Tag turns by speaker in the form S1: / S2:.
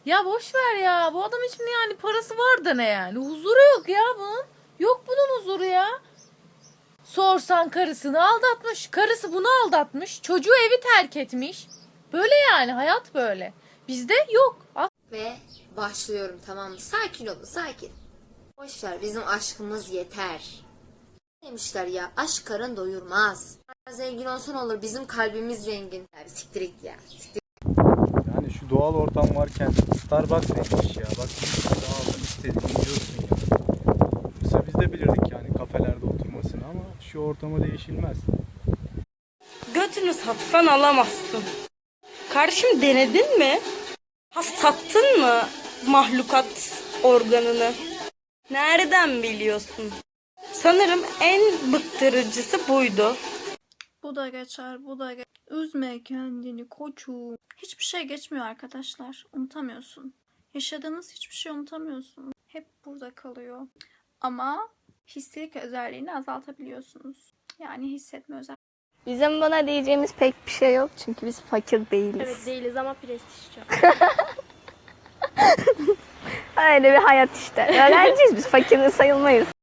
S1: Ya boş ver ya. Bu adam için yani parası var da ne yani? Huzuru yok ya bunun. Yok bunun huzuru ya. Sorsan karısını aldatmış. Karısı bunu aldatmış. Çocuğu evi terk etmiş. Böyle yani hayat böyle. Bizde yok.
S2: Ve başlıyorum, tamam mı? Sakin olun, sakin. Boşver, bizim aşkımız yeter. Demişler ya, aşk karın doyurmaz. Zengin olsan olur, bizim kalbimiz zengin. Ya bir siktir git ya. Siktir.
S3: Yani şu doğal ortam varken Starbucks neymiş ya? Bak daha aldım istediğini yiyorsun ya. Yoksa biz de bilirdik yani kafelerde oturmasını ama şu ortama değişilmez.
S4: Götünü satsan alamazsın. Kardeşim denedin mi? Ha sattın mı mahlukat organını? Nereden biliyorsun? Sanırım en bıktırıcısı buydu.
S5: Bu da geçer, bu da geçer. Üzme kendini koçum. Hiçbir şey geçmiyor arkadaşlar. Unutamıyorsun. Yaşadığınız hiçbir şey unutamıyorsun. Hep burada kalıyor. Ama histerik özelliğini azaltabiliyorsunuz. Yani hissetme özelliği.
S6: Bizim buna diyeceğimiz pek bir şey yok çünkü biz fakir değiliz.
S7: Evet değiliz ama prestijli.
S6: Öyle bir hayat işte. Öğrenciyiz biz, fakir sayılmayız.